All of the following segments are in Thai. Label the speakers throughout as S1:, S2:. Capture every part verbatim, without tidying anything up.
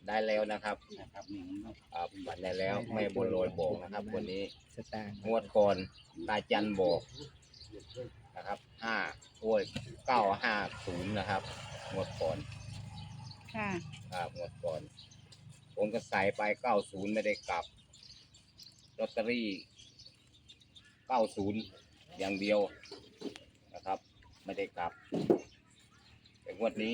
S1: ได้แล้วนะครับ
S2: นะครับนี่เนาะ
S1: อ่าฝันได้แล้วแม่บัวลอยบอกนะครับ วันนี้
S3: สตางค์
S1: งวดก่อนตาจันบอกนะครับห้าโอ้ยเก้าห้าศูนย์นะครับงวดก่อน
S4: ค่ะ
S1: ครับงวดก่อนผมก็ใส่ไปเก้าศูนย์ไม่ได้กลับลอตเตอรี่เก้าศูนย์อย่างเดียวนะครับ ไม่ได้กลับแต่งวดนี้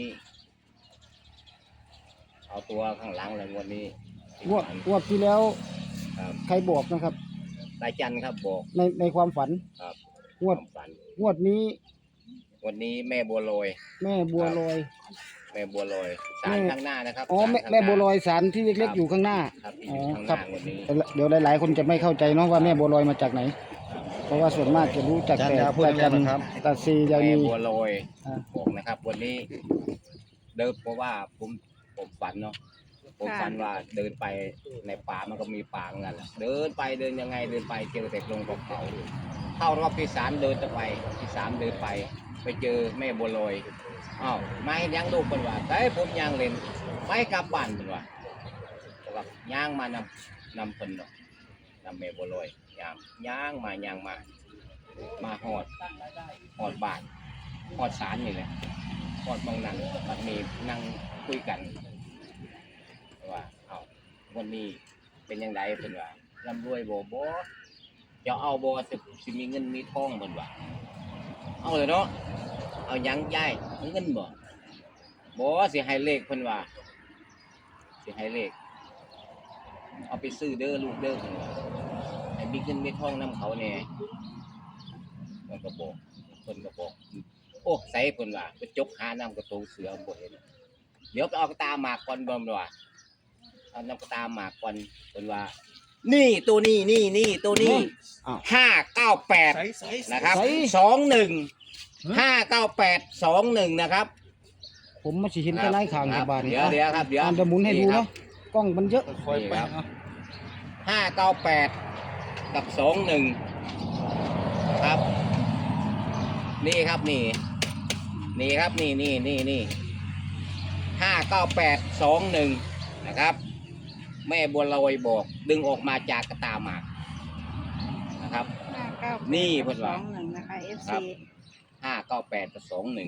S1: เอาตัวข้างหลังเลยงวดนี้
S3: งวดงวดที่แล้ว
S1: ครับ
S3: ใครบอกนะครับ
S1: ตาจันครับบอก
S3: ในในความฝัน
S1: ครับ
S3: งวด
S1: ความฝัน
S3: งวดนี้
S1: วันนี้แม่บัวลอย
S3: แม่บัวลอย
S1: แม่บัวลอยสารข้างหน้านะครับ
S3: อ๋อแม่
S1: ศาลข้างหน้า
S3: แม่บัวลอยสารที่เล็กๆอยู่ข้างหน้า
S1: ครับที่
S3: อ๋
S1: อ
S3: อยู่
S1: ข้างห
S3: ครั
S1: น้า
S3: บ
S1: วันนี้
S3: เดี๋ยวหลายๆคนจะไม่เข้าใจเนาะว่าแม่บัวลอยมาจากไหน เพราะว่าส่วนมากจะรู้จักแต่
S2: อาจารย์พูด
S3: ตาจัน
S2: ได้ไหมครับ
S3: ตาซียา
S1: แม่
S3: นี
S1: บัวลอย
S3: อ่า
S1: บอกนะครับ วันนี้ เดินเพราะว่าผมผมฝันเนาะผม
S4: ค่ะ
S1: ฝันว่าเดินไปในป่ามันก็มีป่าเหมือนกันแหละเดินไปเดินยังไงเดินไปเจอแต่ลงกับเขาเข้ารอบที่สามเดินจะไปที่สามเดินไป ไปเจอแม่บัวลอยอ้าวไม่ยังลูกเป็นว่าแต่ผมยังเล่นไปกลับบ้านเป็นว่าบอกว่าย่างมานำนำเพิ่นเนาะนำแม่บัวลอยย่างย่างมาย่างมา มาหอดหอดบ้านหอดศาลนี่แหละหอดมองนั่งมันมีนั่งคุยกันว่าเอาวันนี้เป็นยังไงเพิ่นว่าร่ำรวยบ่บ่จะเอาบ่สิสิมีเงินมีทองเพิ่นว่าเอาเลยเนาะเอาหยังยายเอาเงินบ่บ่สิให้เลขเพิ่นว่าสิให้เลขเอาไปซื้อเด้อลูกเด้อเพิ่นว่าให้มีเงินมีทองนํเขาแน่มันก็บอกเพิ่นก็บอกโอ้ใส่เพิ่นว่าไปจกหาน้ำกระตูเสือบ่เห็นเดี๋ยวไปเอากระตาหมากก่อนบ่มว่าเอาน้ำกระตาหมากก่อนเพิ่นว่า นี่ตัวนี้นี่นี่ตัวนี้
S3: อ้าว
S1: ห้าเก้าแปด
S2: ใส่ใส่
S1: นะครับ
S3: ใส่
S1: สองหนึ่งห้าเก้าแปดสองหนึ่งนะครับ
S3: ผมมาสิเห็นแต่ไล่ข่าง
S1: ค
S3: ใน
S1: รับ
S3: บ้าน
S1: เดี๋ยวเดี๋ยวครับเดี๋ยว
S3: อ่านจะหมุนให้ดูเนาะกล้องมันเยอะ
S2: คอยไป
S1: นี่ครับ
S2: เนาะ
S1: ห้าเก้าแปดกับสองหนึ่งครับ นี่ครับนี่ นี่ครับนี่นี่นี่นี่ห้าเก้าแปดสองหนึ่งนะครับ แม่บัวลอยบอก ดึงออกมาจากกระตาหมากนะครับ
S4: ห้าเก้า
S1: นี่เพิ่น
S4: ส
S1: ว่า
S4: องหนึ่งนะคะ เอฟ
S1: ครั
S4: ซี
S1: บ ห้าเก้าแปดกับสองหนึ่ง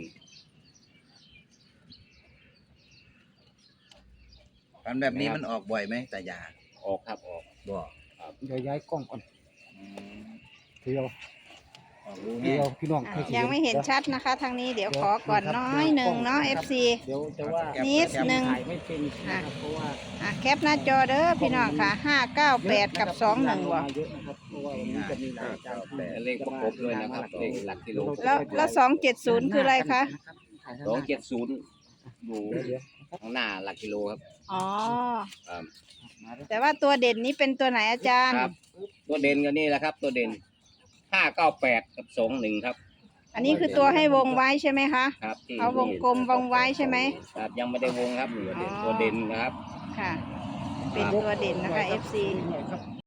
S2: ฝันแบบนี้มันออกบ่อยไหมตายา
S1: ออกครับออก
S2: บ่
S3: เดี๋ยวย้ายกล้องก่อน
S2: อืม
S3: เดียว
S2: ออกรู้
S3: เดี
S2: แน่
S3: ยวพี่น้อง
S4: อ่ะยังไม่เห็นชัดนะคะ ทางนี้เดี๋ยวขอก่อนน้อยหนึ่งเนาะ เอฟ ซี
S3: เดี๋ยวจะว่า
S4: นิดหนึ่ง
S3: ถ่ายไม่เป็นนะครับเพราะว่า
S4: อ่ะแคปหน้าจอเด้อพี่น้องค่ะห้าเก้าแปดกับสองหนึ่งบ่
S3: เยอะนะครับเพราะว่าวันนี้จะมีหลายอาจารย์ที่
S1: เลขประกบด้วยนะครับ เลขหลักกิโล
S4: แล้วแล้วสองเจ็ดศูนย์คืออะไรคะ
S1: สองเจ็ดศูนย์อยู่
S3: เดี๋ยวเดี๋ยว
S1: ข้างหน้าหลักกิโลครับ
S4: อ๋อ
S1: ครับ
S4: แต่ว่าตัวเด่นนี้เป็นตัวไหนอาจารย์
S1: ครับ ตัวเด่นก็นี่แหละครับ ตัวเด่นห้าเก้าแปดกับสองหนึ่งครับ
S4: อันนี้คือตัวให้วงไว้ใช่ไหมคะ
S1: ครับที่
S4: เอาวงกลมวงไว้ใช่ไหม
S1: ครับยังไม่ได้วงครับ
S4: อ๋อ
S1: ตัวเด่นนะครับ
S4: ค่ะ เป็นตัวเด่นนะคะ เอฟ ซี
S3: หน่อยครับ